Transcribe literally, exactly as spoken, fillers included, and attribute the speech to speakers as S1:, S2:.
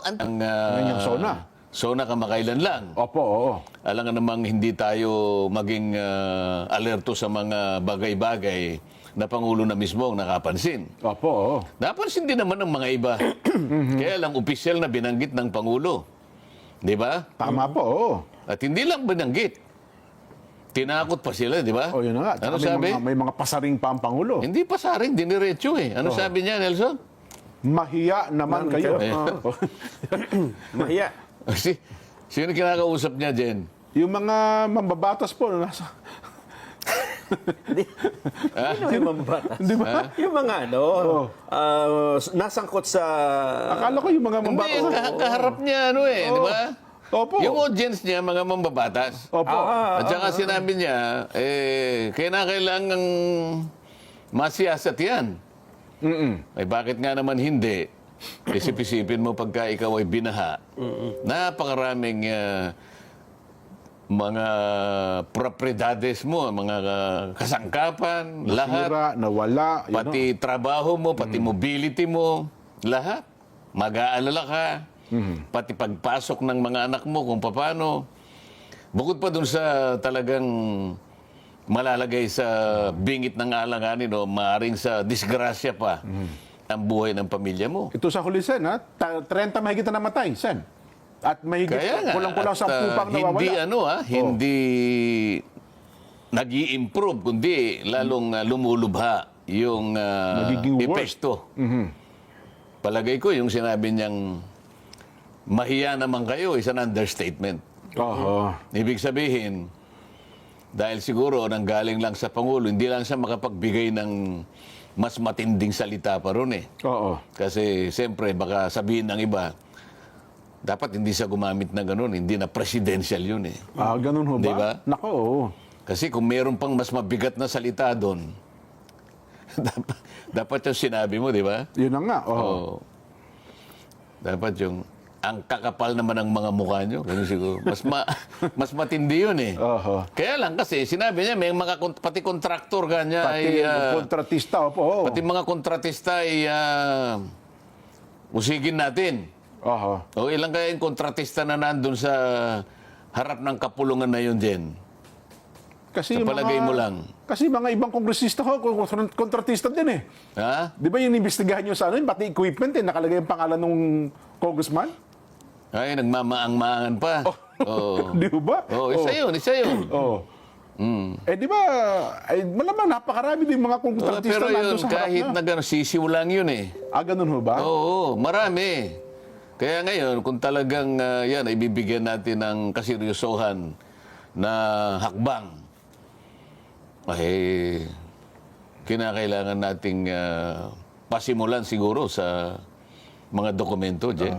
S1: ang, uh,
S2: Ang SONA.
S1: SONA kamakailan lang.
S2: Opo, oo.
S1: Alam nga namang hindi tayo maging uh, alerto sa mga bagay-bagay na Pangulo na mismo ang nakapansin.
S2: Opo, oo.
S1: Napansin din naman ng mga iba. Kaya lang opisyal na binanggit ng Pangulo. Di ba?
S2: Tama po, oo.
S1: At hindi lang binanggit. Tinakot pa sila, di ba?
S2: O yun na nga.
S1: Ano
S2: Tsaka may
S1: sabi?
S2: Mga, may mga pasaring pa ang Pangulo.
S1: Hindi pa saring, diniretso eh. Ano sabi niya, Nelson?
S2: Mahiya naman
S3: Man
S2: kayo.
S3: kayo.
S2: Ah.
S3: Mahiya.
S1: Si, sino kinakausap niya, Jen?
S2: Yung mga mambabatas po na nasa...
S3: Sino yung mambatas?
S2: Di ba?
S3: Yung mga ano, ah, nasangkot sa...
S2: Akala ko yung mga
S1: Hindi,
S2: mambabatas.
S1: ka- kaharap niya, ano eh, di ba?
S2: Opo.
S1: Yung audience niya, mga mambabatas.
S2: Opo.
S3: Ah,
S1: At saka sinabi niya, eh, kailangan masiyasat yan.
S2: Mm-mm.
S1: Ay bakit nga naman hindi? Isip-isipin mo pagka ikaw ay binaha. Napakaraming ah, mga propriedades mo, mga ah, kasangkapan, lahat.
S2: Nasira, nawala. yun
S1: Pati trabaho mo, pati mobility mo, lahat. Mag-aalala ka. Pati pagpasok ng mga anak mo kung paano. Bukod pa dun sa talagang malalagay sa bingit ng alanganin o maaring sa disgrasya pa ang buhay ng pamilya mo.
S2: Ito sa huli, Sen, ha? Ta- thirty mahigit na namatay, Sen. At mahigit,
S1: Kaya nga,
S2: kulang-kulang
S1: at,
S2: sa
S1: ah,
S2: pupang nawawala.
S1: hindi ano ha, hindi nag-i-improve, kundi lalong ah, lumulubha yung uh,
S2: Magiging worse.
S1: epekto. Palagay ko yung sinabi niyang mahiya naman kayo is an understatement.
S2: Oo.
S1: Ibig sabihin, dahil siguro nanggaling lang sa Pangulo, hindi lang siya makapagbigay ng mas matinding salita pa ron eh.
S2: Oo.
S1: Kasi siyempre baka sabihin ng iba, dapat hindi siya gumamit na ganun, hindi na presidential yun eh.
S2: Ah, ganun ho ba?
S1: Di ba?
S2: Nako, oo.
S1: Kasi kung meron pang mas mabigat na salita doon, dapat, dapat yung sinabi mo, di ba?
S2: Yun na nga, oo.
S1: Oo. Dapat yung, ang kakapal naman ng mga mukha nyo. Ganun siguro. Mas, ma, mas matindi yun eh.
S2: Oho.
S1: Kaya lang kasi, sinabi niya, may mga, kon- pati kontraktor kanya
S2: Pati
S1: ay, ah,
S2: kontratista, opo, oo.
S1: pati mga kontratista ay ah, usigin natin.
S2: Oho.
S1: O ilang kaya yung kontratista na nandun sa harap ng kapulungan na yun, Jen?
S2: Kasi
S1: Sa
S2: yung
S1: palagay
S2: mga,
S1: mo lang.
S2: Kasi mga ibang kongresista ho, kon- kontratista din eh.
S1: Ha?
S2: Di ba yung inimbestigahan nyo sa ano, yun, pati equipment eh, nakalagay yung pangalan ng congressman?
S1: Ay, nagmamaang-maangan pa. Oo.
S2: Di ba?
S1: Oo, isa yun, isa yun.
S2: Oo.
S1: Mm.
S2: Eh di ba, ay, malamang napakarami din mga
S1: Oo,
S2: kontratista
S1: pero
S2: nandun
S1: yun,
S2: sa harap
S1: kahit
S2: na.
S1: na gano'n, sisiw lang yun eh.
S2: Ah, ganun ho ba?
S1: Oo, marami. Kaya ngayon, kung talagang ah, yan, ay bibigyan natin ng kaseryosohan na hakbang, ay kinakailangan nating ah, pasimulan siguro sa mga dokumento, Jen.